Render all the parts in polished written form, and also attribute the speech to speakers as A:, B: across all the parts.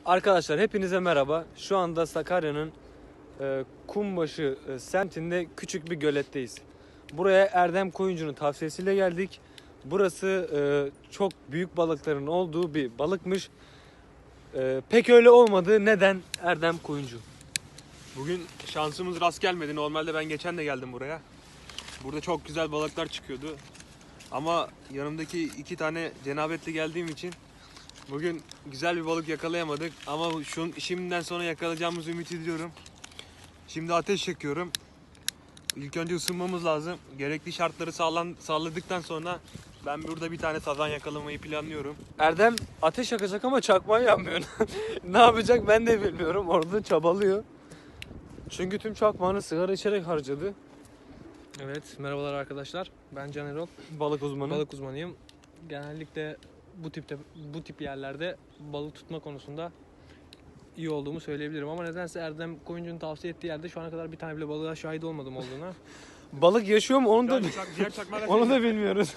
A: Arkadaşlar hepinize merhaba. Şu anda Sakarya'nın Kumbaşı semtinde küçük bir göletteyiz. Buraya Erdem Koyuncu'nun tavsiyesiyle geldik. Burası çok büyük balıkların olduğu bir balıkmış. Pek öyle olmadı. Neden Erdem Koyuncu?
B: Bugün şansımız rast gelmedi. Normalde ben geçen de geldim buraya. Burada çok güzel balıklar çıkıyordu. Ama yanımdaki iki tane cenabetli geldiğim için bugün güzel bir balık yakalayamadık. Ama şimdiden sonra yakalayacağımızı ümit ediyorum. Şimdi ateş yakıyorum. İlk önce ısınmamız lazım. Gerekli şartları sağladıktan sonra ben burada bir tane sazan yakalamayı planlıyorum.
A: Erdem ateş yakacak ama çakmağı yanmıyor. Ne yapacak ben de bilmiyorum. Orada çabalıyor. Çünkü tüm çakmağını sigara içerek harcadı.
C: Evet, merhabalar arkadaşlar. Ben Can Erol.
A: Balık uzmanı.
C: Balık uzmanıyım. Genellikle bu tip yerlerde balık tutma konusunda iyi olduğumu söyleyebilirim ama nedense Erdem Koyuncu'nun tavsiye ettiği yerde şu ana kadar bir tane bile balığa şahit olmadım olduğuna.
A: Balık yaşıyor mu onu da
B: Diğer çakmalar
A: onu da bilmiyoruz.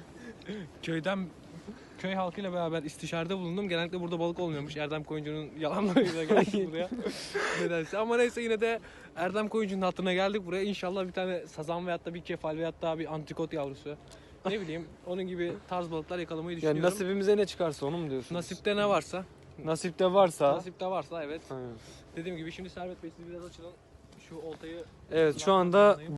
C: Köy halkıyla beraber istişarede bulundum. Genellikle burada balık olmuyormuş. Erdem Koyuncu'nun yalanlarıyla geldik buraya. Nedense. Ama neyse yine de Erdem Koyuncu'nun hatırına geldik buraya. İnşallah bir tane sazan veyahut da bir kefal veyahut da bir antrikot yavrusu. Ne bileyim onun gibi tarz balıklar yakalamayı
A: Yani
C: düşünüyorum.
A: nasibimize ne çıkarsa onu mu diyorsun?
C: Nasipte ne varsa.
A: Nasipte varsa.
C: Nasipte varsa evet.
A: Ha.
C: Dediğim gibi şimdi Servet Bey siz biraz açılın. Şu oltayı...
A: Evet şu anda